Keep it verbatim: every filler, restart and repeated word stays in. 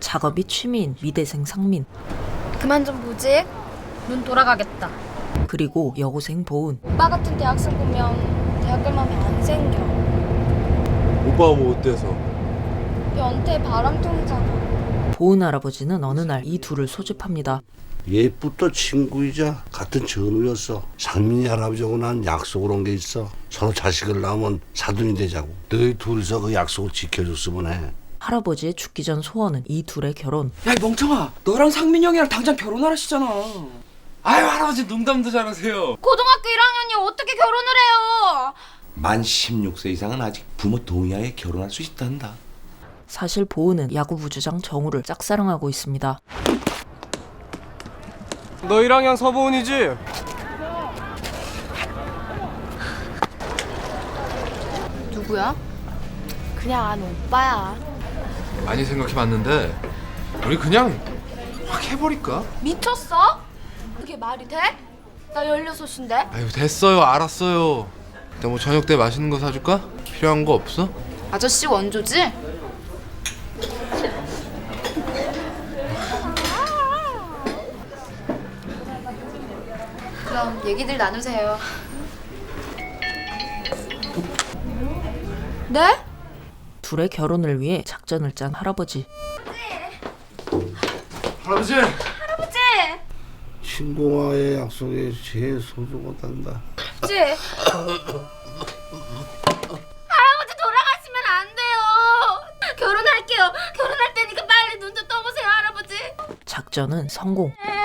작업이 취미인 미대생 상민. 그만 좀 보지. 눈 돌아가겠다. 그리고 여고생 보은. 오빠 같은 대학생 보면 대학 갈 맘이 안 생겨. 오빠가 뭐 어때서? 변태 바람둥이잖아. 보은 할아버지는 어느 날 이 둘을 소집합니다. 옛부터 친구이자 같은 전우였어. 상민이 할아버지하고 난 약속을 한 게 있어. 서로 자식을 낳으면 사돈이 되자고. 너희 둘이서 그 약속을 지켜줬으면 해. 할아버지의 죽기 전 소원은 이 둘의 결혼. 야, 이 멍청아, 너랑 상민 형이랑 당장 결혼하라시잖아. 아유, 할아버지 농담도 잘하세요. 고등학교 일 학년이 어떻게 결혼을 해요? 만 십육 세 이상은 아직 부모 동의하에 결혼할 수 있단다. 사실 보은은 야구부주장 정우를 짝사랑하고 있습니다. 너 일 학년 서보은이지? 누구야? 그냥 안 오빠야. 많이 생각해봤는데 우리 그냥 확 해버릴까? 미쳤어? 그게 말이 돼? 나 열여섯인데? 아유 됐어요 알았어요. 근데 뭐 저녁 때 맛있는 거 사줄까? 필요한 거 없어? 아저씨 원조지? 그럼 얘기들 나누세요. 네? 둘의 결혼을 위해 작전을 짠 할아버지. 할아버지! 할아버지! 친구와의 약속이 제일 소중하단다. 할아버지! 할아버지 돌아가시면 안 돼요. 결혼할게요. 결혼할 테니까 빨리 눈 좀 떠보세요, 할아버지. 작전은 성공.